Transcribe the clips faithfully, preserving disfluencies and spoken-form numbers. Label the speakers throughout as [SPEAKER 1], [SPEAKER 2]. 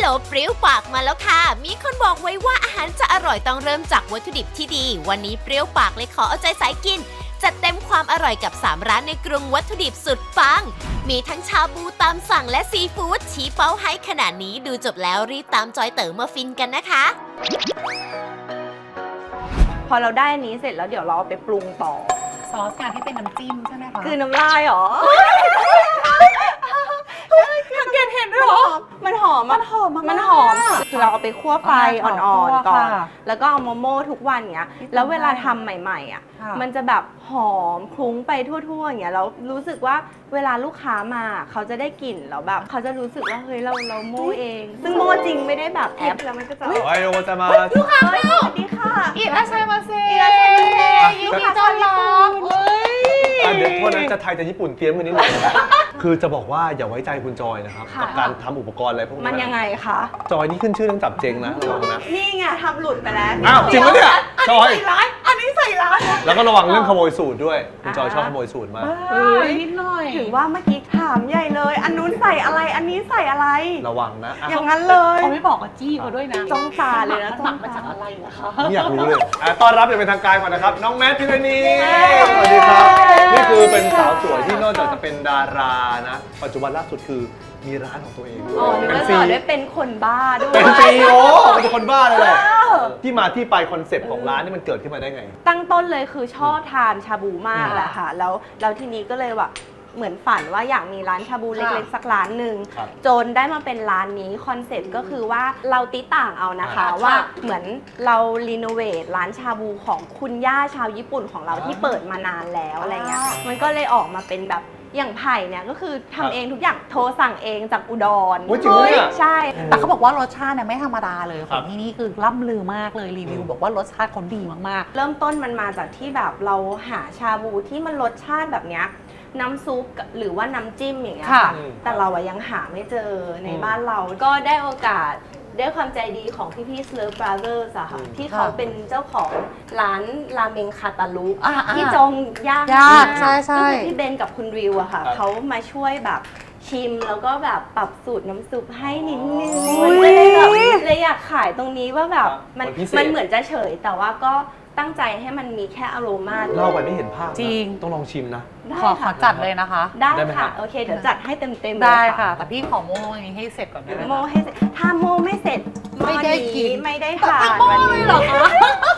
[SPEAKER 1] เปรี้ยวปากมาแล้วค่ะมีคนบอกไว้ว่าอาหารจะอร่อยต้องเริ่มจากวัตถุดิบที่ดีวันนี้เปรี้ยวปากเลยขอเอาใจสายกินจัดเต็มความอร่อยกับสามร้านในกรุงวัตถุดิบสุดปังมีทั้งชาบูตามสั่งและซีฟู้ดชี้เป้าให้ขนาดนี้ดูจบแล้วรีบตามจอยเต๋อมาฟินกันนะคะ
[SPEAKER 2] พอเราได้อันนี้เสร็จแล้วเดี๋ยวเราเอาไปปรุงต่อ
[SPEAKER 3] ซอสการที่เป็นน้ำจิ้มใช่ไหมคะ
[SPEAKER 2] คือน้ำลายหรอสังเกตเห็นด้วยหรอมันหอมมันหอมมันหอมคือเราเอาไปคั่วไฟอ่อนๆก่อนแล้วก็เอาโมโม่ทุกวันเนี้ยแล้วเวลาทำใหม่ๆอ่ะมันจะแบบหอมคลุ้งไปทั่วๆอย่างเงี้ยแล้วรู้สึกว่าเวลาลูกค้ามาเขาจะได้กลิ่นแล้วแบบเขาจะรู้สึกว่าเฮ้ยเราเราโม่เองซึ่งโม่จริงไม่ได้แบบแอปแล้วมันก็จะ
[SPEAKER 4] โอ้ยโอจะมา
[SPEAKER 2] ลูกค้าสวัสดีค่ะ
[SPEAKER 3] อิราชัยมาเซ่
[SPEAKER 2] อิราชัยมาเซ่
[SPEAKER 3] ยินดีต้อนรับเฮ้ย
[SPEAKER 4] เดี๋ยวโทษนะจะไทยจะญี่ปุ่นเตรียมกันนิดนึงคือจะบอกว่าอย่าไว้ใจคุณจอยนะครับกับการทำอุปกรณ์อะไรพวกนี้
[SPEAKER 2] มันยังไงคะ
[SPEAKER 4] จอยนี่ขึ้นชื่อเรื่องจับเจงนะระวังนะ
[SPEAKER 2] นี่ไงทำหลุดไปแล้ว
[SPEAKER 4] อ้าวจริงปะเนี่ยจอย
[SPEAKER 2] ใส่ร้ายอันนี้ใส่ร้าย
[SPEAKER 4] แล้วก็ระวังเรื่องขโมยสูตรด้วยคุณจอยชอบขโมยสูตรมาก
[SPEAKER 3] นิดหน่อย
[SPEAKER 2] ถือว่าเมื่อกี้ถามใหญ่เลยอันนู้นใส่อะไรอันนี้ใส่อะไร
[SPEAKER 4] ระวังนะ
[SPEAKER 2] อย่างนั้นเลย
[SPEAKER 3] เขาไม่บอกกับจี้เขาด้วยนะ
[SPEAKER 2] จ้องตาเลยนะ
[SPEAKER 3] หมักมาจากอะไรนะคะ
[SPEAKER 4] ไม่อยากรู้เลยต้อนรับอย่างเป็นทางการก่อนนะครับน้องแมทพิรณีสวัสดีครับนี่คือเป็นสาวสวยที่นอกจากจะเป็นดารานะปัจจุบันล่าสุดคือมีร้านของตัวเอง
[SPEAKER 2] อ๋อนึกว่าต่อด้วยเป็นคนบ้าด้วย
[SPEAKER 4] เป็นซีอีโอเป็นคนบ้าเลยแหละที่มาที่ไปคอนเซ็ปต์ของร้านนี่มันเกิดขึ้นมาได้ไง
[SPEAKER 2] ตั้งต้นเลยคือชอบทานชาบูมากแหละค่ะแล้วแล้วทีนี้ก็เลยว่าเหมือนฝันว่าอยากมีร้านชาบูเล็กๆสักร้านหนึ่งจนได้มาเป็นร้านนี้คอนเซ็ปต์ก็คือว่าเราติต่างเอานะคะว่าเหมือนเรารีโนเวทร้านชาบูของคุณย่าชาวญี่ปุ่นของเราที่เปิดมานานแล้วอะไรเงี้ยมันก็เลยออกมาเป็นแบบอย่างไผ่เนี่ยก็คือทำเองทุกอย่างโทรสั่งเองจากอุดร
[SPEAKER 4] จริงไหม
[SPEAKER 2] ใช่
[SPEAKER 3] แต่เขาบอกว่ารสชาติเนี่ยไม่ธรรมดาเลยของที่นี่คือล่ำลือมากเลยรีวิวบอกว่ารสชาติเขาดีมาก
[SPEAKER 2] ๆเริ่มต้นมันมาจากที่แบบเราหาชาบูที่มันรสชาติแบบเนี้ยน้ำซุปหรือว่าน้ำจิ้มอย่างเงี้ยค่ะแต่เราอะยังหาไม่เจอในบ้านเราก็ได้โอกาสด้วยความใจดีของพี่พี่ Slurp Brothers อะค่ะที่เขาเป็นเจ้าของร้านราเมงคาตาลุที่จงยาก
[SPEAKER 3] ยากใช่ใช่
[SPEAKER 2] ก็คือพี่เบนกับคุณริวอะค่ะเขามาช่วยแบบชิมแล้วก็แบบปรับสูตรน้ำซุปให้นิดนึงเลยแบบเลยอยากขายตรงนี้ว่าแบบมันมันเหมือนจะเฉยแต่ว่าก็ตั้งใจให้มันมีแค่อโรมา
[SPEAKER 4] เล่าไปไม่เห็นภาพ
[SPEAKER 3] จริง
[SPEAKER 4] ต้องลองชิมนะ
[SPEAKER 3] ขอขอจัดเลยนะคะ
[SPEAKER 2] ได้ค่ะโอเคเดี๋ยวจัดให้เต็มเต็ม
[SPEAKER 3] ได้ค่ะแต่พี่ขอโม่อันนี้ให้เสร็จก่อนได้ไหม
[SPEAKER 2] โม่ให้ถ้าโม่ไม่เสร็จ
[SPEAKER 3] ไม่ได้กิน
[SPEAKER 2] ไม่ได้ทาน
[SPEAKER 3] วันนี้หรอคะ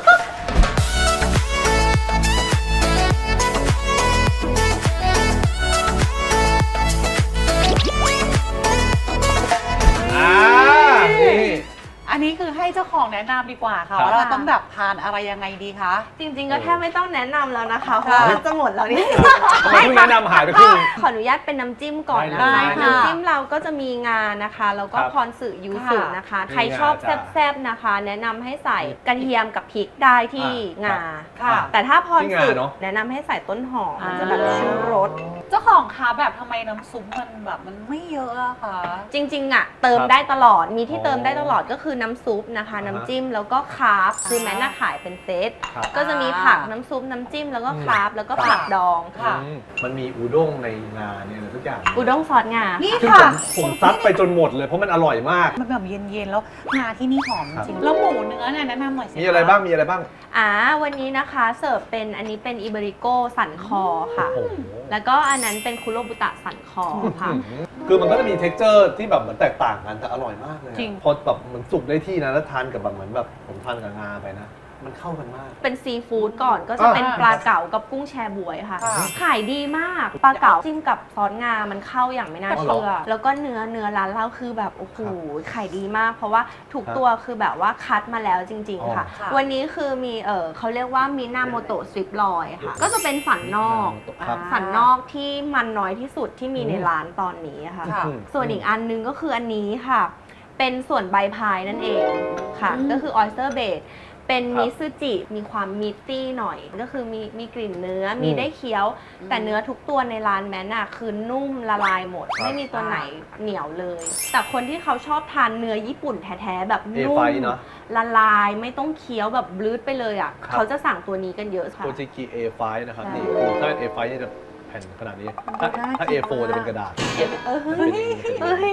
[SPEAKER 3] อันนี้คือให้เจ้าของแนะนำดีกว่าค่ะว่าเราต้องแบบทานอะไรยังไงดีคะ
[SPEAKER 2] จริงๆก็แทบไม่ต้องแนะนำแล้วนะคะเพราะมันจะหมดแล้วนี่
[SPEAKER 4] ไม่แนะนำหายไปครึ่ง
[SPEAKER 2] ขออนุญาตเป็นน้ำจิ้มก่อนนะคะน้ำจิ้มเราก็จะมีงานะคะแล้วก็พรสึยูสุนะคะใครชอบแซ่บๆนะคะแนะนำให้ใส่กระเทียมกับพริกได้ที่งาแต่ถ้าพรสึแนะนำให้ใส่ต้นหอมมันจะแบบชูรส
[SPEAKER 3] เจ้าของคะแบบทำไมน้ำซุปมันแบบมันไม่เยอะอะคะ
[SPEAKER 2] จริงๆอะเติมได้ตลอดมีที่เติมได้ตลอดก็คือน้ำซุปนะคะน้ำจิ้มแล้วก็คาร์บคือแม้น่าขายเป็นเซตก็จะมีผักน้ำซุปน้ำจิ้มแล้วก็คาร์บแล้วก็ผักดองค่ะ
[SPEAKER 4] มันมีอุด้งในงาเนี่ยทุกอย่าง
[SPEAKER 2] อุด้งซอสงา
[SPEAKER 3] นี่ค่ะ
[SPEAKER 4] ผมซัดไปจนหมดเลยเพราะมันอร่อยมาก
[SPEAKER 3] มันแบบเย็นๆแล้วงาที่นี่หอมจริงแล้วหมูเนื้อเนี่ยแนะนำหน่อยสิ
[SPEAKER 4] มีอะไรบ้างมีอะไรบ้าง
[SPEAKER 2] อ่าวันนี้นะคะเสิร์ฟเป็นอันนี้เป็นอิเบริโกสันคอค่ะแล้วก็อันนั้นเป็นคุโรบุตะสันคอค่ะ
[SPEAKER 4] คือมันก็จะมี texture ที่แบบเหมือนแตกต่างกันแต่อร่อยมากเลยพอแบบมันสุกได้ที่นะแล้วทานกับแบบเหมือนแบบผมทานกับงาไปนะมันเข้ากันมาก
[SPEAKER 2] เป็นซีฟู้ดก่อนก็จะเป็นปลาเก๋ากับกุ้งแชบวยค่ะขายดีมากปลาเก๋าจิ้มกับซอสงามันเข้าอย่างไม่น่าเชื่อแล้วก็เนื้อเนื้อร้านเราคือแบบโอ้โหขายดีมากเพราะว่าทุกตัวคือแบบว่าคัดมาแล้วจริงๆค่ะวันนี้คือมีเออเขาเรียกว่ามินาโมโตะสวิปลอยค่ะก็จะเป็นสันนอกสันนอกที่มันน้อยที่สุดที่มีในร้านตอนนี้ค่ะส่วนอีกอันนึงก็คืออันนี้ค่ะเป็นส่วนใบพายนั่นเองค่ะก็คือออยสเตอร์เบดเป็นมิซูจิมีความมิตตี้หน่อยก็คือมีมีกลิ่นเนื้อมีได้เคี้ยวแต่เนื้อทุกตัวในร้านแม้น่ะคือนุ่มละลายหมดไม่มีตัวไหนเหนียวเลยแต่คนที่เขาชอบทานเนื้อญี่ปุ่นแท้ๆแบบนุ่มละลายไม่ต้องเคี้ยวแบบบลื้ดไปเลยอ่ะเขาจะสั่งตัวนี้กันเยอะค่ะ
[SPEAKER 4] โคจิกิ เอ ไฟว์ นะครับนี่ถ้า เอ ไฟว์ นี่จะแผ่นขนาดนี้ถ้า เอ โฟร์ จะเป็นกระดาษ
[SPEAKER 2] เฮ้ย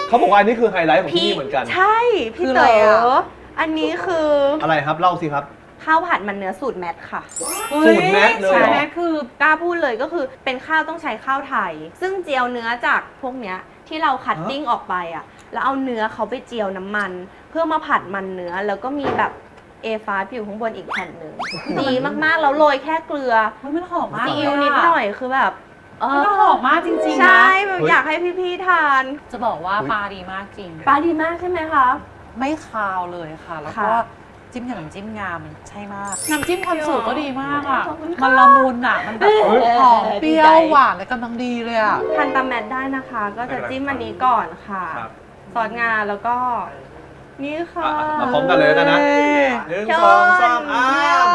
[SPEAKER 4] เขาบอกว่าอันนี้คือไฮไลท์ของที่นี่เหมือนกัน
[SPEAKER 2] ใช่พี่
[SPEAKER 3] คือ
[SPEAKER 2] เต๋
[SPEAKER 3] อะไรอะ
[SPEAKER 2] ออันนี้คือ
[SPEAKER 4] อะไรครับเล่าสิครับ
[SPEAKER 2] ข้าวผัดมันเนื้อสูตรแมทค่ะ
[SPEAKER 4] สูตรแมทเลยเหรอ
[SPEAKER 2] ใช่แมทคือกล้าพูดเลยก็คือเป็นข้าวต้องใช้ข้าวไทย ซึ่งเจียวเนื้อจากพวกเนี้ยที่เราคัตติ้งออกไปอ่ะแล้วเอาเนื้อเขาไปเจียวน้ำมัน เพื่อมาผัดมันเนื้อแล้วก็มีแบบเอฟ้าอยู่ข้างบนอีกแผ่นหนึ่งดีมากๆแล้วโรยแค่เกลือ
[SPEAKER 3] เฮ้ยมันหอมมาก
[SPEAKER 2] ซี
[SPEAKER 3] เลย
[SPEAKER 2] อิ๊ว
[SPEAKER 3] อะ
[SPEAKER 2] นิดหน่อยคือแบบเอ
[SPEAKER 3] มันหอมมากจริงๆ
[SPEAKER 2] ใช่
[SPEAKER 3] นะ
[SPEAKER 2] แบบอยากให้พี่ๆทาน
[SPEAKER 3] จะบอกว่าปลาดีมากจริง
[SPEAKER 2] ปลาดีมากใช่ไหมคะ
[SPEAKER 3] ไม่คาวเลยค่ะ แล้วก็
[SPEAKER 2] ค่ะ
[SPEAKER 3] จิ้มกับน้ำจิ้มงามันใช่มาก น้ำจิ้มคอนสูตรก็ดีมากอ่ะ
[SPEAKER 2] ขอบคุณค่ะ
[SPEAKER 3] มันละมุนอ่ะ มันแบบ
[SPEAKER 2] เออ
[SPEAKER 3] หอมเปรี้ยว
[SPEAKER 2] ดีใจ
[SPEAKER 3] หวานและกำลังดีเลยอ่ะ
[SPEAKER 2] ทานตามแมทได้นะคะ ก็จะจิ้มอันนี้ก่อนค่ะ
[SPEAKER 4] ครับ
[SPEAKER 2] ซอสงาแล้วก็ นี่ค่ะ
[SPEAKER 4] อ่ะมาพร้อมกันเลยแล้วกันนะหนึ่งสองสามอ้าม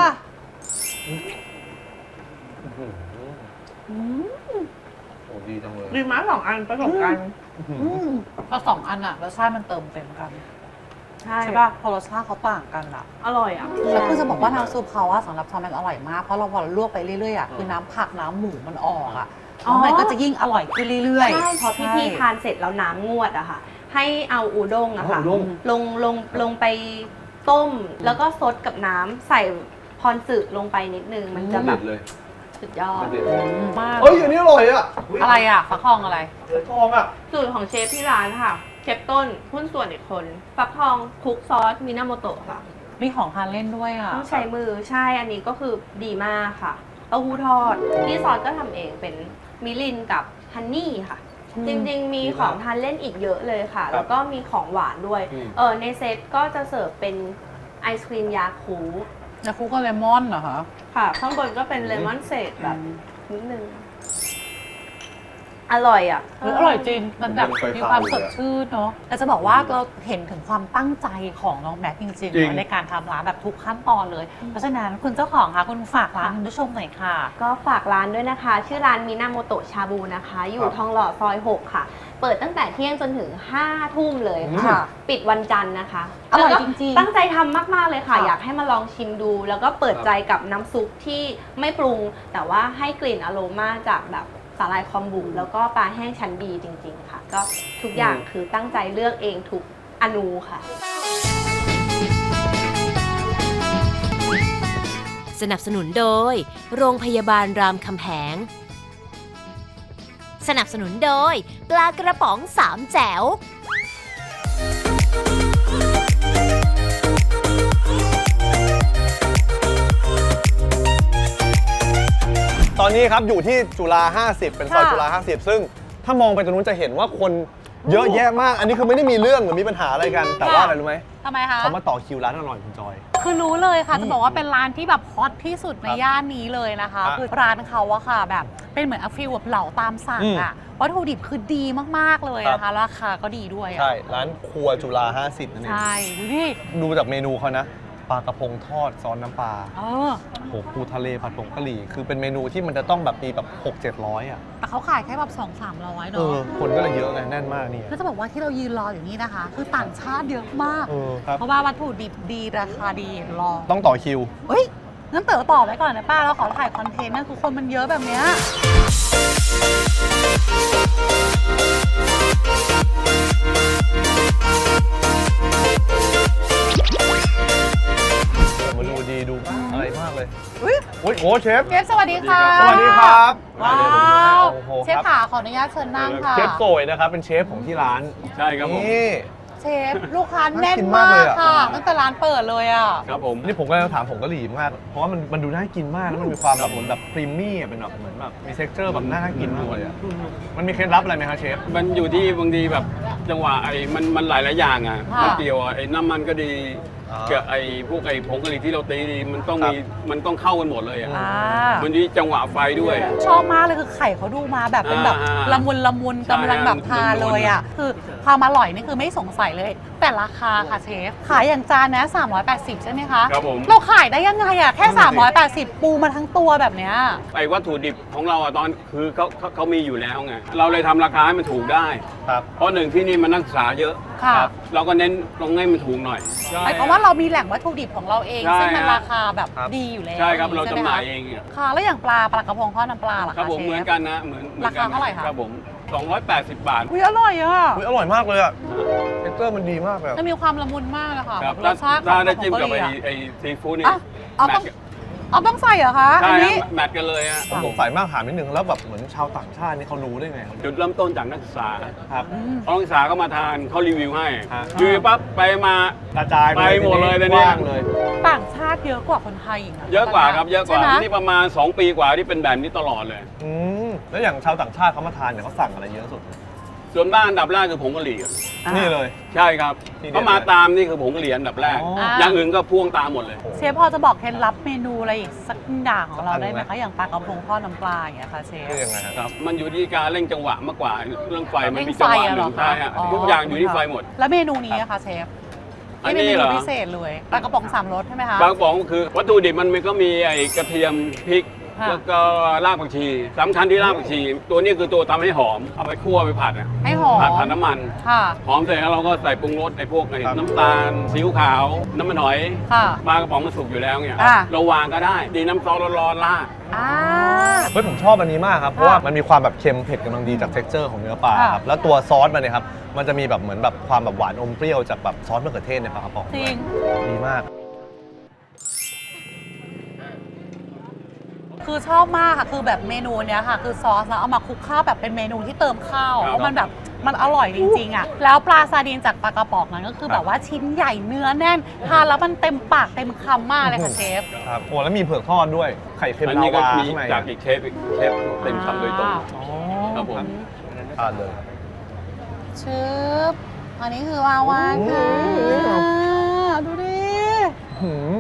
[SPEAKER 4] โอ้ดีจังเลย
[SPEAKER 2] ดีมากสองอันผสมกัน
[SPEAKER 3] อืมพอสองอันอ่ะรสชาติมันเติมเต็มกัน
[SPEAKER 2] ใช่
[SPEAKER 3] ใช่ป่ะพอรสชาติเขาต่างกันอ่ะ
[SPEAKER 2] อร่อยอ่ะ
[SPEAKER 3] แล้วคือจะบอกว่าน้ำซุปเขาอะสำหรับซอมมันอร่อยมาก เพราะเราพอเราลวกไปเรื่อยๆอะคือน้ำผักน้ำหมูมันออกอะ
[SPEAKER 2] อ๋อ
[SPEAKER 3] แล้วมันก็จะยิ่งอร่อยขึ้นเรื่อยๆ
[SPEAKER 2] ใช่พอพี่ๆทานเสร็จแล้วน้ำงวดอะค่ะ ให้เอาอูด้งอะค่ะ
[SPEAKER 4] เอาอูด้ง
[SPEAKER 2] ลงลงลงไปต้ม แล้วก็ซดกับน้ำใส่พรสึลงไปนิดนึง มันจะแบบ
[SPEAKER 4] เลย
[SPEAKER 2] สุดยอด
[SPEAKER 4] เด็ด
[SPEAKER 3] มาก
[SPEAKER 4] เฮ้ยอันนี้อร่อยอ่ะ
[SPEAKER 3] อะไรอะฟักทองอะไร
[SPEAKER 4] เสือทองอ่ะ
[SPEAKER 2] สูตรของเชฟที่ร้านค่ะ เชฟต้นหุ้นส่วนอีกคน ฟักทองคลุกซอสมินาโมโตะค่ะ
[SPEAKER 3] มีของทานเล่นด้วยอะ
[SPEAKER 2] ต้องใช้มือใช่ อันนี้ก็คือดีมากค่ะเต้าหู้ทอดที่ซอสก็ทำเองเป็นมิลินกับฮันนี่ค่ะ จริงๆ มีของทานเล่นอีกเยอะเลยค่ะ แล้วก็มีของหวานด้วย
[SPEAKER 4] อืม
[SPEAKER 2] เออในเซตก็จะเสิร์ฟเป็นไอศครีมยาคู
[SPEAKER 3] ยาคูก็เลมอนเหรอคะ
[SPEAKER 2] ค่ะ ข้างบนก็เป็นเลมอนเศษแบบนิดนึง อร่อยอ่ะ
[SPEAKER 3] เฮ้ยอร่อยจริง มันแบบมีความสดชื่นเนาะแต่จะบอกว่าเราเห็นถึงความตั้งใจของน้องแม็กจริง
[SPEAKER 4] จริง
[SPEAKER 3] ๆเนอะในการทำร้านแบบทุกขั้นตอนเลย เพราะฉะนั้นคุณเจ้าของคะคุณฝากร้านคุณผู้ชมหน่อยค่ะ
[SPEAKER 2] ก็ฝากร้านด้วยนะคะ ชื่อร้านมินาโมโตะชาบูนะคะ อยู่ทองหล่อซอยหกค่ะ เปิดตั้งแต่เที่ยงจนถึงห้าทุ่มเลย
[SPEAKER 3] ค่ะ
[SPEAKER 2] ปิดวันจันทร์นะคะ
[SPEAKER 3] อร่อย
[SPEAKER 2] แล้วก็
[SPEAKER 3] จริงๆ
[SPEAKER 2] ตั้งใจทำมาก ๆ เลยค่ะ
[SPEAKER 3] ค่ะ
[SPEAKER 2] อยากให้มาลองชิมดู แล้วก็เปิดใจกับน้ำซุปที่ไม่ปรุง แต่ว่าให้กลิ่นอโรมาจากแบบสาหร่ายคอมบุแล้วก็ปลาแห้งชั้นดีจริง ๆ ค่ะ ก็ทุกอย่างคือตั้งใจเลือกเองทุกอนูค่ะ
[SPEAKER 1] สนับสนุนโดย โรงพยาบาลรามคำแหง สนับสนุนโดย ปลากระป๋องสามแจ๋ว
[SPEAKER 4] ตอนนี้ครับอยู่ที่จุฬาห้าสิบเป็นซอย
[SPEAKER 3] ค่ะ
[SPEAKER 4] จุฬาห้าสิบซึ่งถ้ามองไปตรงนู้นจะเห็นว่าคนเยอะแยะมาก อันนี้คือไม่ได้มีเรื่องหรือมีปัญหาอะไรกัน แต่ว่าอะไรรู้ไหม
[SPEAKER 3] ทำไมคะ
[SPEAKER 4] เขามาต่อคิวร้านอร่อยคุณจอย
[SPEAKER 3] คือรู้เลยค่ะ
[SPEAKER 4] อืม
[SPEAKER 3] จะบอกว่าเป็นร้านที่แบบฮอตที่สุดใน
[SPEAKER 4] ครับ
[SPEAKER 3] ย่านนี้เลยนะคะ
[SPEAKER 4] อ่ะ
[SPEAKER 3] คือร้านเขาอะค่ะแบบเป็นเหมือนอฟิลแบบเหลาตามสั่ง
[SPEAKER 4] อืม
[SPEAKER 3] อะวัตถุดิบคือดีมากๆเลยนะคะราคาก็ดีด้วยอะ
[SPEAKER 4] ใช่ ร้านครัวจุฬาห้าสิบนั่นเอง
[SPEAKER 3] ใช่ดูดิ
[SPEAKER 4] ดูจากเมนูเขานะ ปลากระพงทอดซอสน้ำปลา
[SPEAKER 3] เออ
[SPEAKER 4] โหปูทะเลผัดผงกะหรี่ คือเป็นเมนูที่มันจะต้องแบบมีแบบหกเจ็ดร้อยอ่ะ
[SPEAKER 3] แต่เขาขายแค่แบบสองสามร้อย
[SPEAKER 4] เอ
[SPEAKER 3] เนาะ
[SPEAKER 4] อ คนก็เลยเยอะไงแน่นมากเนี่ย
[SPEAKER 3] แล้วจะบอกว่าที่เรายืนรออยู่นี่นะคะ คือต่างชาติเยอะมาก
[SPEAKER 4] เออครับ
[SPEAKER 3] เพราะว่าวัตถุดิบดีราคาดีรอ
[SPEAKER 4] ต้องต่อคิว
[SPEAKER 3] เฮ้ยงั้นเต๋อต่อไว้ก่อนนะป้าเราขอถ่ายคอนเทนต์นะคือคนมันเยอะแบบเนี้ย
[SPEAKER 4] มาดูดีดูอะไรมากเลย
[SPEAKER 3] อุ๊ย
[SPEAKER 4] โอ้ยโอ้เชฟ
[SPEAKER 3] เชฟสวัสดีค่ะ
[SPEAKER 4] สวัสดีครับ
[SPEAKER 3] ว้า
[SPEAKER 4] เดี๋ยวผมดูให้
[SPEAKER 3] ว
[SPEAKER 4] โอ้โห
[SPEAKER 3] เชฟ
[SPEAKER 4] ครับ
[SPEAKER 3] ขาขออนุญาตเชิญนั่งค่ะ
[SPEAKER 4] เชฟโกยนะครับ เป็นเชฟของที่ร้าน
[SPEAKER 5] ใช่ครับผม
[SPEAKER 4] นี่
[SPEAKER 3] เชฟลูกค้าแน่น
[SPEAKER 4] น่ากินมาม
[SPEAKER 3] าก
[SPEAKER 4] เลย
[SPEAKER 3] ก
[SPEAKER 4] อะ
[SPEAKER 3] ค่ะตั้งแต่ร้านเปิดเลยอ่ะ
[SPEAKER 5] ครับผม
[SPEAKER 4] นี่ผมก็จะถามผงกะหรี่มาก เพราะว่ามันมันดูน่ากินมาก แล้วมันมีความแบบเหมือนแบบครีมมี่อะเป็นแบบเหมือนแบบมีเท็กเจอร์แบบน่ากินมากเลยอะมันมีเคล็ดลับอะไรไหมครับเชฟ
[SPEAKER 5] มันอยู่ที่บางทีแบบจังหวะไอ้มันมันหลายหลายๆอย่างอ่ะ
[SPEAKER 3] ค่ะ
[SPEAKER 5] มันเกี่ยวไอ้น้ำมันก็ดี
[SPEAKER 4] อ่า
[SPEAKER 5] กับไอ้พวกไอ้ผงกะหรี่ที่เราตีดีมันต้อง
[SPEAKER 4] ครับ
[SPEAKER 5] มีมันต้องเข้ากันหมดเลยอ่ะ
[SPEAKER 3] อ่า
[SPEAKER 5] มันที่จังหวะไฟด้วย
[SPEAKER 3] ชอบมากเลยคือไข่เขาดูมาแบบเป็นแบบ
[SPEAKER 5] อ่า
[SPEAKER 3] ละมุนละมุน
[SPEAKER 5] ใช่
[SPEAKER 3] กำลังแบบทานเลยอ่ะคือความอร่อยนี่คือไม่สงสัยเลย แต่ราคาค่ะเชฟขายอย่างจานนะสามร้อยแปดสิบใช่ไหมคะ
[SPEAKER 5] ครับผม
[SPEAKER 3] เราขายได้ยังไงอ่ะแค่
[SPEAKER 4] นั่นน่ะสิ
[SPEAKER 3] สามร้อยแปดสิบปูมาทั้งตัวแบบเนี้ย
[SPEAKER 5] ไอ้วัตถุดิบของเราอ่ะตอนคือเขาเขาเขามีอยู่แล้วไงเราเลยทำราคาให้มันถูกได้
[SPEAKER 4] ครับ
[SPEAKER 5] เพราะหนึ่งที่นี่มันนักศึกษาเยอะ
[SPEAKER 3] ค่ะ
[SPEAKER 5] ครับเราก็เน้นตรงให้มันถูกหน่อย
[SPEAKER 3] หมายความว่าเรามีแหล่งวัตถุดิบของเราเอง
[SPEAKER 5] ใช่
[SPEAKER 3] ซึ่งมัน
[SPEAKER 5] ฮะ
[SPEAKER 3] ราคาแบบ
[SPEAKER 4] ครับ
[SPEAKER 3] ดีอยู่แล้ว
[SPEAKER 5] ใช่ครับเรา
[SPEAKER 3] ใช่
[SPEAKER 5] จำ
[SPEAKER 3] ไห
[SPEAKER 5] ห
[SPEAKER 3] ม
[SPEAKER 5] น่า
[SPEAKER 3] คะ
[SPEAKER 5] ยเองอะ
[SPEAKER 3] ค่ะแล้วอย่างปลาปลากระพงทอดน้ำปลาล่ะ
[SPEAKER 5] ครับ
[SPEAKER 3] คะ
[SPEAKER 5] ผม
[SPEAKER 3] เช
[SPEAKER 5] เหมือน
[SPEAKER 3] ฟ
[SPEAKER 5] กันนะเหมือนหมือนกัน
[SPEAKER 3] ราคาเท่าไหร่คะ
[SPEAKER 5] ครับผมสองร้อยแปดสิบบาท
[SPEAKER 3] อุ้ยอร่อยอ่ะ
[SPEAKER 4] อุ๊ยอร่อยมากเลยอ่ะเท็กเจอร์มันดีมากเลยอะ
[SPEAKER 3] มันมีความละมุนมากเลยค่ะ
[SPEAKER 5] ครับ
[SPEAKER 3] รสชาติข
[SPEAKER 5] ถ้า
[SPEAKER 3] อง
[SPEAKER 5] ได้จิ้ม
[SPEAKER 3] ของ
[SPEAKER 5] กับ
[SPEAKER 3] เกาห
[SPEAKER 5] ไอ้
[SPEAKER 3] ลีอะ
[SPEAKER 5] ไอ้ซีฟู้ดนี่
[SPEAKER 3] อ่ะเอา
[SPEAKER 5] แม
[SPEAKER 3] ต้อ
[SPEAKER 5] ท
[SPEAKER 3] ง
[SPEAKER 5] กัน
[SPEAKER 3] เอาต้องใส่เหรอคะ
[SPEAKER 5] ใช่
[SPEAKER 3] อันนี้
[SPEAKER 5] ฮะแมทกันเลยฮะ
[SPEAKER 4] ผมสงสัยมากถามนิดนึงแล้วแบบเหมือนชาวต่างชาตินี่เขารู้ได้ไงครับ
[SPEAKER 5] จุดเริ่มต้นจากนักศึกษา
[SPEAKER 4] ครับ
[SPEAKER 5] นักศึกษาก็มาทานเขารีวิวให้
[SPEAKER 4] ฮะ
[SPEAKER 5] รีวิวปั๊บไปมา
[SPEAKER 4] กระจาย
[SPEAKER 5] ไปหมดเลย
[SPEAKER 4] ที
[SPEAKER 5] เดี๋ยวนี้
[SPEAKER 4] กว้างเลย
[SPEAKER 3] ต่างชาติเยอะกว่าคนไทยอีกนะ
[SPEAKER 5] เยอะกว่าครับเยอะกว่า
[SPEAKER 3] ใช่ไหม
[SPEAKER 5] นี่ประมาณ สอง ปีกว่าที่เป็นแบบนี้ตลอดเลย
[SPEAKER 4] อืมแล้วอย่างชาวต่างชาติเขามาทานเนี่ยเขาสั่งอะไรเยอะสุด
[SPEAKER 5] ส่วนบ้านอันดับแรกคือผงกะหรี่อะ
[SPEAKER 3] อ่ะ
[SPEAKER 4] นี่เลย
[SPEAKER 5] ใช่ครับ
[SPEAKER 4] ทีเดียว
[SPEAKER 5] เขามาตามนี่คือผงกะหรี่อันดับแรก
[SPEAKER 4] อ๋อ
[SPEAKER 3] อ่า
[SPEAKER 5] อย่างอื่นก็พ่วงตามหมดเลย
[SPEAKER 3] เชฟพอจะบอกเคล็ดลับเมนูอะไรอีกสักอย่างของเรา
[SPEAKER 4] สักอัน
[SPEAKER 3] ได้ไหม
[SPEAKER 4] ไหม
[SPEAKER 3] คะอย่างปลากระพงทอดน้ำปลาอย่างเงี้ยค่ะเชฟ
[SPEAKER 4] คือยังไงฮะ
[SPEAKER 5] ครับ มันอยู่ที่การเร่งจังหวะมากกว่า เรื่องไฟมัน
[SPEAKER 3] เร่ง
[SPEAKER 5] มีจังหวะ
[SPEAKER 3] ไฟอะ
[SPEAKER 5] ห
[SPEAKER 3] เหร
[SPEAKER 5] นึ่
[SPEAKER 3] อง คะ
[SPEAKER 5] ใช่ฮะ
[SPEAKER 3] อ๋อ
[SPEAKER 5] ทุกอย่างอยู่ที่ไฟหมด
[SPEAKER 3] แล้วเมนูนี้อะคะเชฟ
[SPEAKER 5] อัน
[SPEAKER 3] นี่เป็น
[SPEAKER 5] นี้
[SPEAKER 3] เม
[SPEAKER 5] เหร
[SPEAKER 3] นู
[SPEAKER 5] อ
[SPEAKER 3] พิเศษเลยปลากระป๋องสามรสใช่ไหมคะ
[SPEAKER 5] บางป๋องคือวัตถุดิบมันก็มีไอ้กระเทียมพริก
[SPEAKER 3] ค่ะ
[SPEAKER 5] แล้วก็รากผักชีสำคัญที่รากผักชี ตัวนี้คือตัวทำให้หอม เอาไปคั่วไปผัดอะ
[SPEAKER 3] ให้หอม
[SPEAKER 5] ผัดผัดน้ำมัน
[SPEAKER 3] ค่ะ
[SPEAKER 5] หอมเสร็จแล้วเราก็ใส่ปรุงรสไอ้พวกไอ้
[SPEAKER 4] ครับ
[SPEAKER 5] น้ำตาลซีอิ๊วขาว น้ำมันหอย
[SPEAKER 3] ค่ะ
[SPEAKER 5] ปลากระป๋องมันสุกอยู่แล้วเนี่ย
[SPEAKER 3] อ่ะ
[SPEAKER 5] เราวางก็ได้ ดีน้ำซอสร้อนๆราด
[SPEAKER 3] อ่า
[SPEAKER 4] เฮ้ยผมชอบอันนี้มากครับ เพราะว่ามันมีความแบบเค็มเผ็ดกำลังดีจาก texture ของเนื้อปลา
[SPEAKER 3] ค่ะ
[SPEAKER 4] ครับ แล้วตัวซอสมันเนี่ยครับ มันจะมีแบบเหมือนแบบความแบบหวานอมเปรี้ยวจากแบบซอสมะเขือเทศในปลากระป๋อง
[SPEAKER 3] จริง
[SPEAKER 4] ดีมาก
[SPEAKER 3] คือชอบมากค่ะ คือแบบเมนูเนี้ยค่ะ คือซอสแล้วเอามาคลุกข้าวแบบเป็นเมนูที่เติมข้าว
[SPEAKER 5] ครับ
[SPEAKER 3] เพราะมันแบบมันอร่อยจริงๆอ่ะ แล้วปลาซาดีนจากปลากระป๋องนั้นก็คือแบบว่าชิ้นใหญ่เนื้อแน่น ทานแล้วมันเต็มปากเต็มคำมากเลยค่ะเชฟ
[SPEAKER 4] ครับโอ้แล้วมีเผือกทอดด้วย ไข่เค็ม
[SPEAKER 5] อัน
[SPEAKER 4] ลา
[SPEAKER 5] นี้ก็
[SPEAKER 4] วา
[SPEAKER 5] มี
[SPEAKER 4] ข้างใน
[SPEAKER 5] จากอีกเชฟอีกเชฟเต็มคำโดยตรง
[SPEAKER 4] อ๋อ
[SPEAKER 5] ครับผม
[SPEAKER 4] ทานเลย
[SPEAKER 3] ชึบอันนี้คือวาวาค่ะ
[SPEAKER 4] อืม
[SPEAKER 3] ดูดิ
[SPEAKER 4] หืม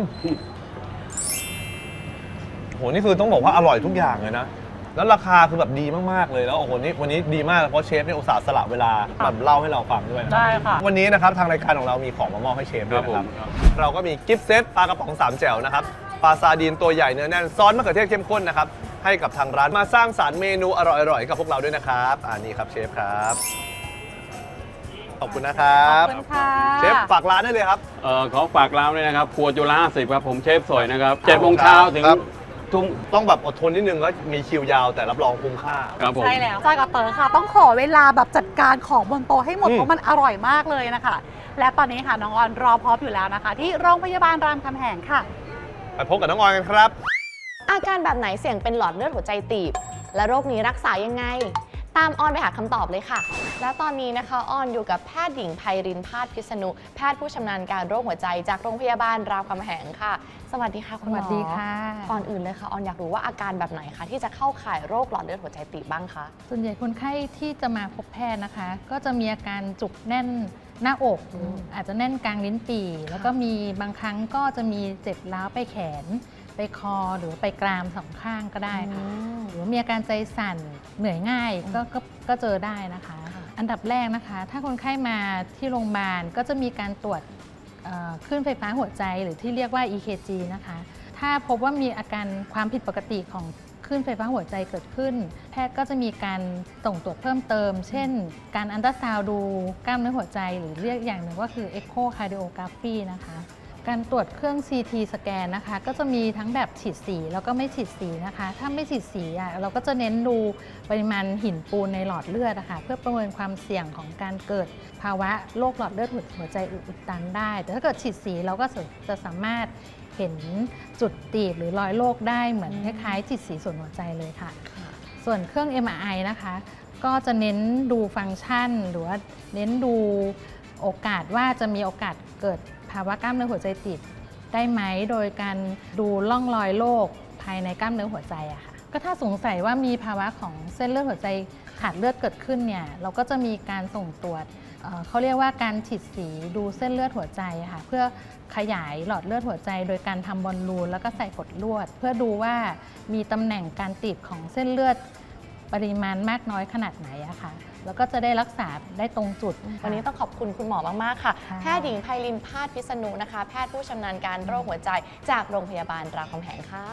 [SPEAKER 4] โห นี่คือต้องบอกว่าอร่อยทุกอย่างเลยนะ แล้วราคาคือแบบดีมากๆเลยแล้วโอ้โหนี่วันนี้ดีมากเพราะเชฟเนี่ยอุตส่าห์สละเวลาแบบเล่าให้เราฟังด้วยนะ
[SPEAKER 3] ได้ค่ะ
[SPEAKER 4] วันนี้นะครับทางรายการของเรามีของมามอบให้เชฟด้วยนะครับ
[SPEAKER 5] ครับ
[SPEAKER 4] เราก็มีกิฟต์เซตปลากระป๋องสามแจ่วนะครับปลาซาดีนตัวใหญ่เนื้อแน่นซอสมะเขือเทศเข้มข้นนะครับให้กับทางร้านมาสร้างสรรค์เมนูอร่อยๆกับพวกเราด้วยนะครับอ่านี่ครับเชฟครับขอบคุณนะครั
[SPEAKER 3] ขอบบ คุณค่ะ
[SPEAKER 4] เชฟฝากร้านได้เลยครับ
[SPEAKER 5] เอ่อขอฝากร้านด้วยนะครับ ครัวจุฬาสิบครับ ผมเชฟสวยนะครับเจ็ดโมงเช้าถึง
[SPEAKER 4] ครับ
[SPEAKER 5] ทุ่ม
[SPEAKER 4] ต้องแบบอดทนนิดนึงแล้วมีคิวยาวแต่รับรองคุ้มค่า
[SPEAKER 5] ครับผม
[SPEAKER 3] ใช่แล้วจอยกับเต๋อค่ะ ต้องขอเวลาแบบจัดการของบนโต๊ะให้หมด
[SPEAKER 4] อืม
[SPEAKER 3] เพราะมันอร่อยมากเลยนะคะ และตอนนี้ค่ะน้องออนรอพร้อมอยู่แล้วนะคะ ที่โรงพยาบาลรามคำแหงค่ะ
[SPEAKER 4] ไปพบกับน้องออยกันครับ
[SPEAKER 6] อาการแบบไหนเสี่ยงเป็นหลอดเลือดหัวใจตีบ และโรคนี้รักษายังไง ตามออนไปหาคำตอบเลยค่ะ และตอนนี้นะคะออนอยู่กับแพทย์หญิงไพรินพาสพิษณุแพทย์ผู้ชำนาญการโรคหัวใจจากโรงพยาบาลรามคำแหงค่ะ สวัสดีค่ะคุณหมอ
[SPEAKER 7] สวัสดีค่ะ
[SPEAKER 6] ก่อนอื่นเลยค่ะออนอยากรู้ว่าอาการแบบไหนคะที่จะเข้าข่ายโรคหลอดเลือดหัวใจตีบบ้างคะ
[SPEAKER 7] ส่วนใหญ่คนไข้ที่จะมาพบแพทย์นะคะ ก็จะมีอาการจุกแน่นหน้าอก
[SPEAKER 6] อืม
[SPEAKER 7] อาจจะแน่นกลางลิ้นปี่ แล้วก็มีบางครั้งก็จะมีเจ็บร้าวไปแขน ไปคอหรือไปกรามสองข้างก็ได้ค่ะ หรือว่ามีอาการใจสั่นเหนื่อยง่ายก็ก็ก็เจอได้นะคะ อันดับแรกนะคะ ถ้าคนไข้มาที่โรงพยาบาลก็จะมีการตรวจเอ่อคลื่นไฟฟ้าหัวใจหรือที่เรียกว่า อี เค จี นะคะ ถ้าพบว่ามีอาการความผิดปกติของคลื่นไฟฟ้าหัวใจเกิดขึ้น แพทย์ก็จะมีการส่งตรวจเพิ่มเติม เช่น การอัลตราซาวด์ดูกล้ามเนื้อหัวใจ หรือเรียกอย่างหนึ่งว่าคือ Echocardiography นะคะ การตรวจเครื่อง ซี ที สแกนนะคะ ก็จะมีทั้งแบบฉีดสีแล้วก็ไม่ฉีดสีนะคะ ถ้าไม่ฉีดสีอ่ะเราก็จะเน้นดูปริมาณหินปูนในหลอดเลือดนะคะเพื่อประเมินความเสี่ยงของการเกิดภาวะโรคหลอดเลือดหัวใจอุดตันได้ แต่ถ้าเกิดฉีดสีเราก็จะสามารถเห็นจุดตีบหรือรอยโรคได้เหมือนคล้ายๆฉีดสีส่วนหัวใจเลยค่ะ ส่วนเครื่อง เอ็ม อาร์ ไอ นะคะ ก็จะเน้นดูฟังก์ชัน หรือว่าเน้นดูโอกาสว่าจะมีโอกาสเกิดภาวะกล้ามเนื้อหัวใจตีบได้ไหมโดยการดูร่องรอยโรคภายในกล้ามเนื้อหัวใจอะค่ะก็ถ้าสงสัยว่ามีภาวะของเส้นเลือดหัวใจขาดเลือดเกิดขึ้นเนี่ยเราก็จะมีการส่งตรวจเอ่อเขาเรียกว่าการฉีดสีดูเส้นเลือดหัวใจอะค่ะเพื่อขยายหลอดเลือดหัวใจ โดยการทำบอลลูนแล้วก็ใส่กดลวด เพื่อดูว่ามีตำแหน่งการตีบของเส้นเลือดปริมาณมากน้อยขนาดไหนอะค่ะแล้วก็จะได้รักษาได้ตรงจุด
[SPEAKER 6] วันนี้ต้องขอบคุณคุณหมอมากๆค่ะ
[SPEAKER 7] ค่ะ
[SPEAKER 6] แพทย์หญิงไพรินพาสพิษณุนะคะ แพทย์ผู้ชำนาญการโรคหัวใจจากโรงพยาบาลรามคำแหงค่ะ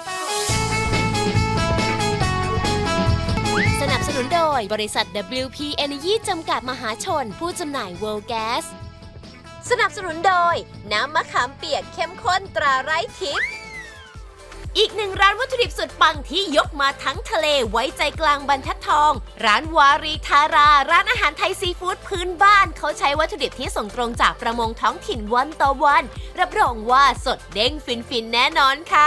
[SPEAKER 1] สนับสนุนโดยบริษัท ดับเบิลยู พี Energy จำกัดมหาชน ผู้จำหน่าย World Gas สนับสนุนโดยน้ำมะขามเปียกเข้มข้นตราไร้ทิพย์อีกหนึ่งร้านวัตถุดิบสุดปังที่ยกมาทั้งทะเลไว้ใจกลางบรรทัดทอง ร้านวารีทารา ร้านอาหารไทยซีฟู้ดพื้นบ้านเขาใช้วัตถุดิบที่ส่งตรงจากประมงท้องถิ่นวันต่อวัน รับรองว่าสดเด้งฟินๆแน่นอนค่ะ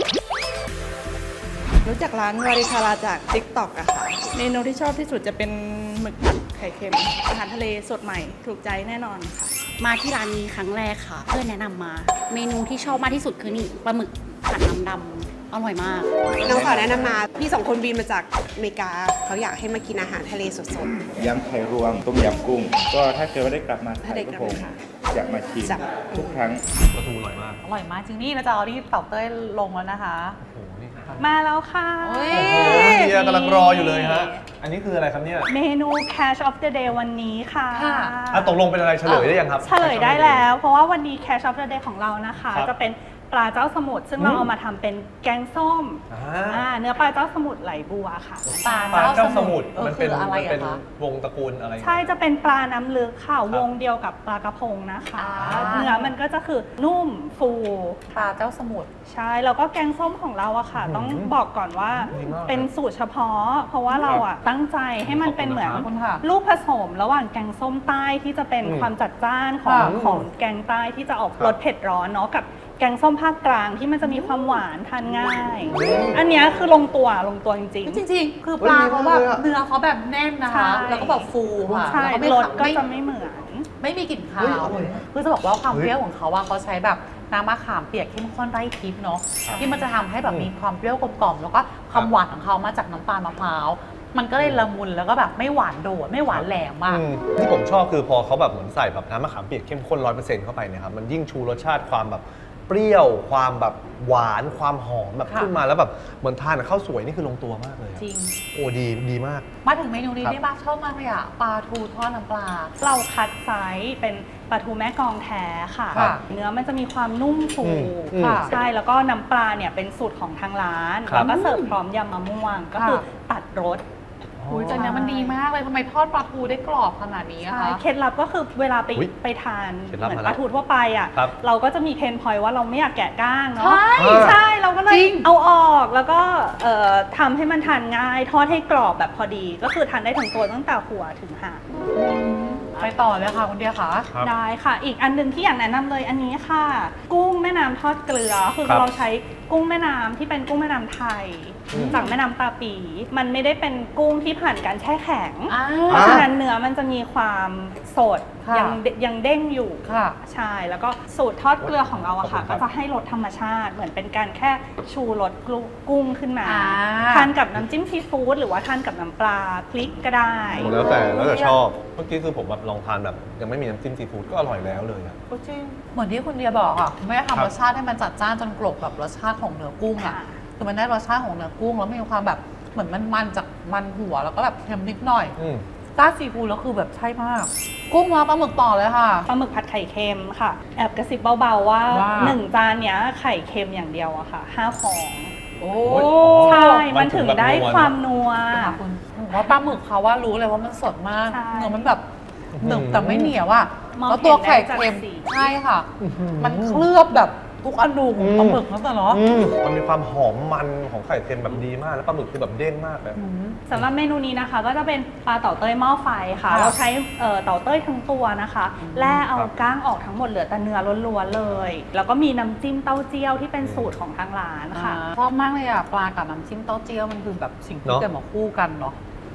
[SPEAKER 8] รู้จักร้านวาริคาราจาก ติ๊กต็อก อะค่ะ เมนูที่ชอบที่สุดจะเป็นหมึกผัดไข่เค็ม อาหารทะเลสดใหม่ถูกใจแน่นอนค่ะ
[SPEAKER 9] มาที่ร้านนี้ครั้งแรกค่ะ เพื่อนแนะนำมา เมนูที่ชอบมากที่สุดคือนี่ปลาหมึกผัดน้ำดำอร่อยมาก
[SPEAKER 10] น้องสาวแนะนำมา พี่สองคนบินมาจากอเมริกา เขาอยากให้มากินอาหารทะเลสด
[SPEAKER 11] ยำไข่รวมต้มยำกุ้ง ก็ถ้าเกิดว่าได้กลับมา
[SPEAKER 10] ถ้าได้กลับมา
[SPEAKER 11] ผม
[SPEAKER 10] ค่ะ
[SPEAKER 11] อยากมาชิม
[SPEAKER 10] จะ
[SPEAKER 11] ทุกครั้ง
[SPEAKER 4] ปลาทูอร่อยมาก
[SPEAKER 3] อร่อยมากจริงนี่เราจะเอาที่เต่าเต้ยลงแล้วนะคะ
[SPEAKER 4] โอ้โห นี่ครับ
[SPEAKER 2] มาแล้วค่ะ
[SPEAKER 3] โอ้ย
[SPEAKER 4] โอ้โหเฮียกำลังรออยู่เลยฮะ อันนี้คืออะไรครับเนี่ย
[SPEAKER 2] เมนู Cash of the Day วันนี้ค่ะ
[SPEAKER 3] ค่ะ
[SPEAKER 4] อ่ะตกลงเป็นอะไรเฉลยได้ยังครับ
[SPEAKER 2] เฉลยได้แล้ว เพราะว่าวันนี้ Cash of the Day ของเรานะคะ
[SPEAKER 4] ครับ
[SPEAKER 2] จะเป็นปลาเจ้าสมุทรซึ่ง
[SPEAKER 4] อืม
[SPEAKER 2] เราเอามาทำเป็นแกงส้ม
[SPEAKER 4] อ่
[SPEAKER 2] อ่า
[SPEAKER 4] า
[SPEAKER 2] เนื้อปลาเจ้าสมุทรไหลบัวค่ะ
[SPEAKER 3] ปลา
[SPEAKER 4] ปลาเจ้าสมุทร
[SPEAKER 3] เออ
[SPEAKER 4] มันเป็น
[SPEAKER 3] คืออะไร
[SPEAKER 4] มันเป็น
[SPEAKER 3] อะคะ
[SPEAKER 4] วงตระกูลอะไร
[SPEAKER 2] ใช่จะเป็นปลาน้ำลึกค่ะ วงเดียวกับปลากระพงนะคะ
[SPEAKER 3] อ่า
[SPEAKER 2] เนื้อมันก็จะคือนุ่มฟู
[SPEAKER 3] ปลาเจ้าสมุทร
[SPEAKER 2] ใช่ แล้วก็แกงส้มของเราอะค่ะ ต้องบอกก่อนว่า
[SPEAKER 4] ดีมาก
[SPEAKER 2] เป็นสูตรเฉพาะ เพราะว่าเราอะตั้งใจให้มันเป็นเหมือน
[SPEAKER 3] ขอบคุณค่ะ
[SPEAKER 2] ลูกผสมระหว่างแกงส้มใต้ที่จะเป็น
[SPEAKER 4] อืม
[SPEAKER 2] ความจัดจ้านของ
[SPEAKER 3] ค่ะ
[SPEAKER 2] ของแกงใต้ที่จะออก
[SPEAKER 4] ครับ
[SPEAKER 2] รสเผ็ดร้อนเนาะกับแกงส้มภาคกลางที่มันจะมีความหวานทานง่าย อันเนี้ยคือลงตัวลงตัวจริง
[SPEAKER 3] จริงๆ คือปลาเขาแบบเนื้อเขาแบบแน่นนะ
[SPEAKER 2] ใช่
[SPEAKER 3] คะ แล้วก็แบบฟูค่ะ
[SPEAKER 2] ๆ ใช่
[SPEAKER 3] แล้วก็ไม่
[SPEAKER 2] รสก็
[SPEAKER 3] ไม่
[SPEAKER 2] จะไม่เหมือน
[SPEAKER 3] ไม่มีกลิ่นคาวคือจะบอกว่าความเปรี้ยวของเขาว่าเขาใช้แบบน้ำมะขามเปียกเข้มข้นไร่ทิพย์เนาะที่มันจะทำให้แบบมีความเปรี้ยวกลมกล่อมแล้วก็ความหวานของเขามาจากน้ำตาลมะพร้าวมันก็เลยละมุนแล้วก็แบบไม่หวานโดดไม่หวานแหลมมาก
[SPEAKER 4] อืมที่ผมชอบคือพอเขาแบบเหมือนใส่แบบน้ำมะขามเปียกเข้มข้นร้อยเปอร์เซ็นต์เข้าไปเนี่ยครับมันยิ่งชูรสชาติความแบบเปรี้ยวความแบบหวานความหอมแบบ
[SPEAKER 3] ค่ะ
[SPEAKER 4] ขึ้นมาแล้วแบบเหมือนทานกับข้าวสวยนี่คือลงตัวมากเลยอะ
[SPEAKER 3] จริง
[SPEAKER 4] โอ้ดีดีมาก
[SPEAKER 3] มาถึงเมนูนี้
[SPEAKER 4] ครับ
[SPEAKER 3] ได้บ้างชอบมากเลยอะปลาทูทอดน้ำปลา
[SPEAKER 2] เราคัดไซส์เป็นปลาทูแม่กลองแท้ค่ะ
[SPEAKER 3] ค่ะ
[SPEAKER 2] เนื้อมันจะมีความนุ่มฟู
[SPEAKER 4] อืมอืม
[SPEAKER 2] ค่ะใช่แล้วก็น้ำปลาเนี่ยเป็นสูตรของทางร้าน
[SPEAKER 4] ครับ
[SPEAKER 2] แล้วก็เสิร์ฟพร้อมยำมะม่วง ก็คือตัดรส
[SPEAKER 3] อุ้ยแต่เนี้ยมันดีมากเลยทำไมทอดปลาทูได้กรอบขนาดนี้อะ
[SPEAKER 2] ใช่
[SPEAKER 3] คะ
[SPEAKER 2] เคล็ดลับก็คือเวลาไป
[SPEAKER 4] อุ๊ย
[SPEAKER 2] ไปทาน
[SPEAKER 4] เคล็ดลับ
[SPEAKER 2] เหมือน
[SPEAKER 4] มา
[SPEAKER 2] ป
[SPEAKER 4] แล้ว
[SPEAKER 2] ลาทูทั่วไปอ่ะ
[SPEAKER 4] ครับ
[SPEAKER 2] เราก็จะมีเพนพอยต์ว่าเราไม่อยากแกะก้างเนาะ
[SPEAKER 3] ใช่
[SPEAKER 2] ใช่เราก็เลย
[SPEAKER 3] จริง
[SPEAKER 2] เอาออกแล้วก็เอ่อทำให้มันทานง่าย ทอดให้กรอบแบบพอดี ก็คือทานได้ทั้งตัวตั้งแต่หัวถึงหาง
[SPEAKER 3] ไปต่อเลยค่ะคุณเดียค่ะ
[SPEAKER 4] ครับ
[SPEAKER 2] ได้ค่ะ อีกอันหนึงที่อยากแนะนำเลยอันนี้ค่ะ กุ้งแม่น้ำทอดเกลือ คือ
[SPEAKER 4] ครับ
[SPEAKER 2] เราใช้กุ้งแม่น้ำที่เป็นกุ้งแม่น้ำไทย
[SPEAKER 4] อืม
[SPEAKER 2] จากแม่น้ำตาปี มันไม่ได้เป็นกุ้งที่ผ่านการแช่แข็ง
[SPEAKER 3] อ่า
[SPEAKER 2] เพราะฉะนั้นเนื้อมันจะมีความสด
[SPEAKER 3] ค่ะ
[SPEAKER 2] ยังเดยังเด้งอยู่
[SPEAKER 3] ค่ะ
[SPEAKER 2] ใช่ แล้วก็สูตรทอดเกลือของเราอะค่ะ
[SPEAKER 4] ขอบคุณครั
[SPEAKER 2] ก็
[SPEAKER 4] บ
[SPEAKER 2] จะให้รสธรรมชาติ เหมือนเป็นการแค่ชูรสกุ้งขึ้นมา
[SPEAKER 3] อ่า
[SPEAKER 2] ทานกับน้ำจิ้มซีฟู้ดหรือว่าทานกับน้ำปลาพริกก็ได้
[SPEAKER 4] โอ้แล้วแต่แล้วแต่ชอบ เมื่อกี้คือผมแบบลองทานแบบยังไม่มีน้ำจิ้มซีฟู้ดก็อร่อยแล้วเลยอะ
[SPEAKER 3] จริงเหมือนที่คุณเดียบอกอ่ะไม่ได้
[SPEAKER 4] ครับ
[SPEAKER 3] ทำรสชาติให้มันจัดจ้านจนกลบแบบรสชาติของเนื้อกุ้งอ่ะ
[SPEAKER 2] ค่ะ
[SPEAKER 3] คือมันได้รสชาติของเนื้อกุ้งแล้วมีความแบบเหมือนมันมันจากมันหัวแล้วก็แบบเค็มนิดหน่อย
[SPEAKER 4] อืม
[SPEAKER 3] ต้าซีฟู้ดแล้วคือแบบใช่มาก กุ้งมาปลาหมึกต่อเลยค่ะ
[SPEAKER 2] ปลาหมึกผัดไข่เค็มค่ะ แอบกระซิบเบาๆว่า
[SPEAKER 3] ว่า
[SPEAKER 2] หนึ่งจานเนี้ยไข่เค็มอย่างเดียวอะค่ะห้าฟอง
[SPEAKER 3] โอ้
[SPEAKER 4] โอ้ย
[SPEAKER 2] ใช่
[SPEAKER 4] มั
[SPEAKER 2] มัน
[SPEAKER 4] นถึ
[SPEAKER 2] ถึ
[SPEAKER 4] ง
[SPEAKER 2] ง
[SPEAKER 4] แบบ
[SPEAKER 2] ได้
[SPEAKER 4] นัว
[SPEAKER 2] ความนัว
[SPEAKER 3] ค่ะคุณผมว่าปลาหมึกเขาว่ารู้เลยว่ามันสดมาก
[SPEAKER 2] ใช่
[SPEAKER 3] เนื้อมันแบบหนึบแต่ไม่เหนียวอ่ะ
[SPEAKER 2] มอง
[SPEAKER 3] แล้วตัวไข่
[SPEAKER 2] เห็นได้
[SPEAKER 3] เค็ม
[SPEAKER 2] จากสี
[SPEAKER 3] ใช่ค่ะ
[SPEAKER 4] อื้อหือ
[SPEAKER 3] มันเคลือบแบบทุกอนูของปลาหมึกนั่นแต่เนาะ
[SPEAKER 4] อืมมันมีความหอมมันของไข่เค็มแบบดีมาก แล้วปลาหมึกคือแบบเด้งมากเลย
[SPEAKER 2] สำหรับเมนูนี้นะคะ ก็จะเป็นปลาเต่าเต้ยหม้อไฟค่ะ
[SPEAKER 3] ค่ะ
[SPEAKER 2] เราใช้เอ่อเต่าเต้ยทั้งตัวนะคะแล่เอา
[SPEAKER 4] ครับ
[SPEAKER 2] ก้างออกทั้งหมดเหลือแต่เนื้อล้วนๆเลย แล้วก็มีน้ำจิ้มเต้าเจี้ยวที่เป็นสูตรของทางร้านค่ะ
[SPEAKER 3] ชอบมากเลยอ่ะปลากับน้ำจิ้มเต้าเจี้ยวมันคือแบบสิ่งที่
[SPEAKER 4] เนอะ
[SPEAKER 3] เกิดมาคู่กันเนาะ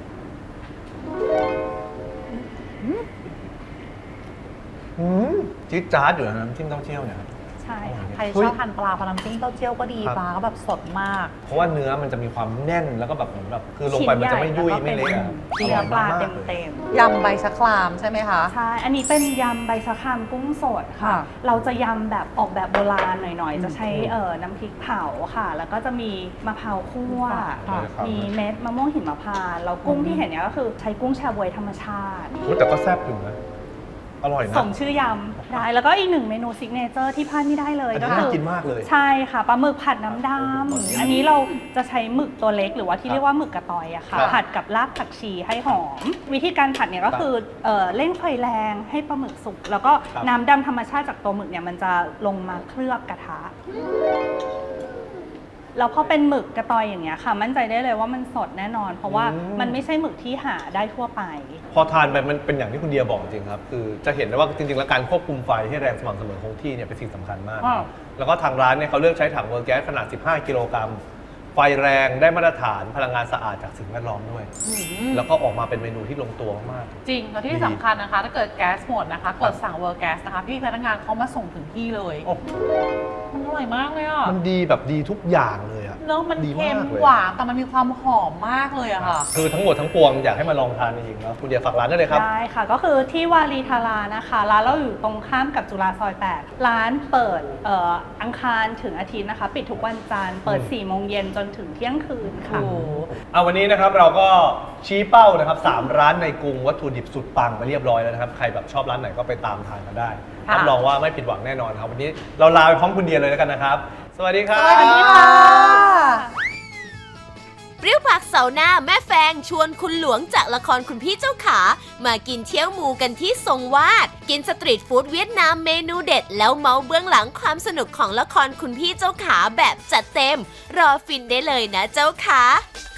[SPEAKER 4] อืมจี๊ดจ๊าดอยู่นะน้ำจิ้มเต้าเจี้ยวเนี่ย
[SPEAKER 2] ใช่ค่ะ
[SPEAKER 3] ใคร
[SPEAKER 4] เฮ้
[SPEAKER 3] ช
[SPEAKER 4] ย
[SPEAKER 3] อบทานปลาพอน้ำจิ้มเต้าเจี้ยวก็ดี
[SPEAKER 4] ครับ
[SPEAKER 3] ปลาก็แบบสดมาก
[SPEAKER 4] เพราะว่าเนื้อมันจะมีความแน่นแล้วก็แบบเหมือนแบบคือลงไปมันจะไม่ยุ่ยไม่เละอะ
[SPEAKER 2] เนื้อปลา
[SPEAKER 4] ร่ยมก
[SPEAKER 2] เต็ม
[SPEAKER 3] ยำใบชะครามใช่ไหมคะ
[SPEAKER 2] ๆใช่ อันนี้เป็นยำใบชะครามกุ้งสดค่ะ
[SPEAKER 3] ค่ะ
[SPEAKER 2] เราจะยำแบบออกแบบโบราณหน่อย
[SPEAKER 3] อืม
[SPEAKER 2] ๆ จะใช้เอ่อน้ำพริกเผาค่ะ แล้วก็จะมีมะพร้าวคั่ว
[SPEAKER 3] ค่ะ
[SPEAKER 2] มีเม็ดมะม่วงหิมพานต์แล้วกุ้งที่เห็นเนี่ยก็คือใช้กุ้งแชบวยธรรมชาติ
[SPEAKER 4] อุ๊ยแต่ก็แซ่บอยู่นะ อร่อยนะ
[SPEAKER 2] สมชื่อยำได้ แล้วก็อีกหนึ่งเมนูซิกเนเจอร์ที่พลาดไม่ได้เลย
[SPEAKER 4] อัน
[SPEAKER 2] ก็
[SPEAKER 4] นี้
[SPEAKER 2] คื
[SPEAKER 4] น่า
[SPEAKER 2] อ
[SPEAKER 4] กินมากเลย
[SPEAKER 2] ใช่ค่ะปลาหมึกผัดน้ำด
[SPEAKER 4] โอ้โห
[SPEAKER 2] ำอันนี้เราจะใช้หมึกตัวเล็กหรือว่าที่
[SPEAKER 4] ครับ
[SPEAKER 2] เรียกว่าหมึกกระตอยอะค่ะ
[SPEAKER 4] ครับ
[SPEAKER 2] ผัดกับรากผักชีให้หอม วิธีการผัดเนี่ยก็คือเอ่อเร่งไฟแรงให้ปลาหมึกสุก แล้วก็
[SPEAKER 4] ครับ
[SPEAKER 2] น้ำดำธรรมชาติจากตัวหมึกเนี่ยมันจะลงมาเคลือบกระทะ
[SPEAKER 8] แล้วพอเป็นหมึกกระตอยอย่างเงี้ยค่ะ มั่นใจได้เลยว่ามันสดแน่นอน เพราะว่า
[SPEAKER 4] อืม
[SPEAKER 8] มันไม่ใช่หมึกที่หาได้ทั่วไป
[SPEAKER 4] พอทานไปมันเป็นอย่างที่คุณเดียบอกจริงครับ คือจะเห็นได้ว่าจริงๆ แล้วการควบคุมไฟให้แรงสม่ำเสมอคงที่เนี่ยเป็นสิ่งสำคัญมาก
[SPEAKER 8] อ่า
[SPEAKER 4] แล้วก็ทางร้านเนี่ยเขาเลือกใช้ถังเวอร์แก๊สขนาด สิบห้า กิโลกรัม ไฟแรงได้มาตรฐานพลังงานสะอาดจากสิ่งแวดล้อมด้วย แล้วก็ออกมาเป็นเมนูที่ลงตัวมาก
[SPEAKER 3] จริงแล้วที่สำคัญนะคะ ถ้าเกิดแก๊สหมดนะคะ กดสั่งเวอร์แก๊สนะคะ พี่พนักงานเขามาส่งถึงที่เลย
[SPEAKER 4] โอ้โห
[SPEAKER 3] มันอร่อยมากเลยอ่ะ
[SPEAKER 4] มันดีแบบดีทุกอย่างเลยอะ
[SPEAKER 3] เนื้อมัน
[SPEAKER 4] ดี
[SPEAKER 3] เค็ม
[SPEAKER 4] ากเลย
[SPEAKER 3] หวานแต่มันมีความหอมมากเลยอะค่ะ
[SPEAKER 4] คือทั้งหมดทั้งปวงอยากให้มาลองทานจริงๆแล้วคุณเดียฝากร้านได้เลยครับ
[SPEAKER 8] ได้ค่ะ ก็คือที่วารีทารานะคะ ร้านเราอยู่ตรงข้ามกับจุฬาซอยแปดร้านเปิดเอ่ออังคารถึงอาทิตย์นะคะ ปิดทุกวันจันทร์เปิด
[SPEAKER 4] อืม
[SPEAKER 8] สี่โมงเย็นจนถึงเที่ยงคืนค่ะ
[SPEAKER 4] เอาวันนี้นะครับเราก็ชี้เป้านะครับสามร้านในกรุงวัตถุดิบสุดปังไปเรียบร้อยแล้วนะครับใครแบบชอบร้านไหนก็ไปตามทานกันได้
[SPEAKER 3] ค่ะ
[SPEAKER 4] รับรองว่าไม่ผิดหวังแน่นอนครับวันนี้เราลาไปพร้อมคุณเดียเลยแล้วกันนะครับ สวัสดีครับ
[SPEAKER 3] สวัสดีค่ะ
[SPEAKER 1] เปรี้ยวปากเสาร์หน้าแม่แฟงชวนคุณหลวงจากละครคุณพี่เจ้าขา มากินเที่ยวหมูกันที่ทรงวาด กินสตรีทฟู้ดเวียดนามเมนูเด็ด แล้วเมาเบื้องหลังความสนุกของละครคุณพี่เจ้าขาแบบจัดเต็ม รอฟินได้เลยนะเจ้าขา